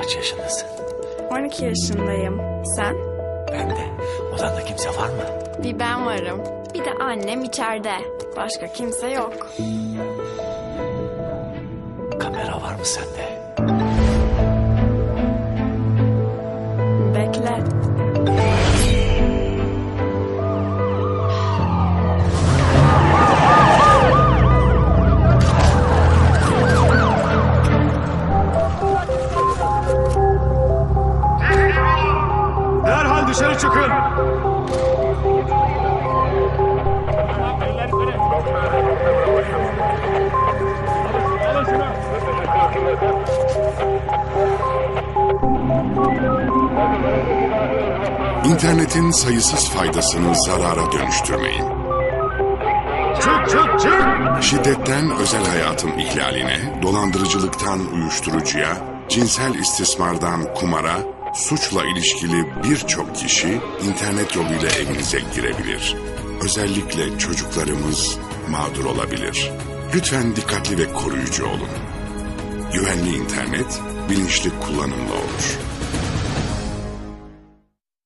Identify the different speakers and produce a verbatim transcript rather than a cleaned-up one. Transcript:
Speaker 1: Kaç yaşındasın?
Speaker 2: on iki yaşındayım. Sen?
Speaker 1: Ben de. Odanda kimse var mı?
Speaker 2: Bir ben varım. Bir de annem içeride. Başka kimse yok.
Speaker 1: Kamera var mı sende?
Speaker 2: Bekle.
Speaker 3: Derhal dışarı çıkın.
Speaker 4: İnternetin sayısız faydasını zarara dönüştürmeyin.
Speaker 3: Çık çık çık.
Speaker 4: Şiddetten özel hayatın ihlaline, dolandırıcılıktan uyuşturucuya, cinsel istismardan kumara, suçla ilişkili birçok kişi internet yoluyla evinize girebilir. Özellikle çocuklarımız mağdur olabilir. Lütfen dikkatli ve koruyucu olun. Güvenli internet, bilinçli kullanımla olur.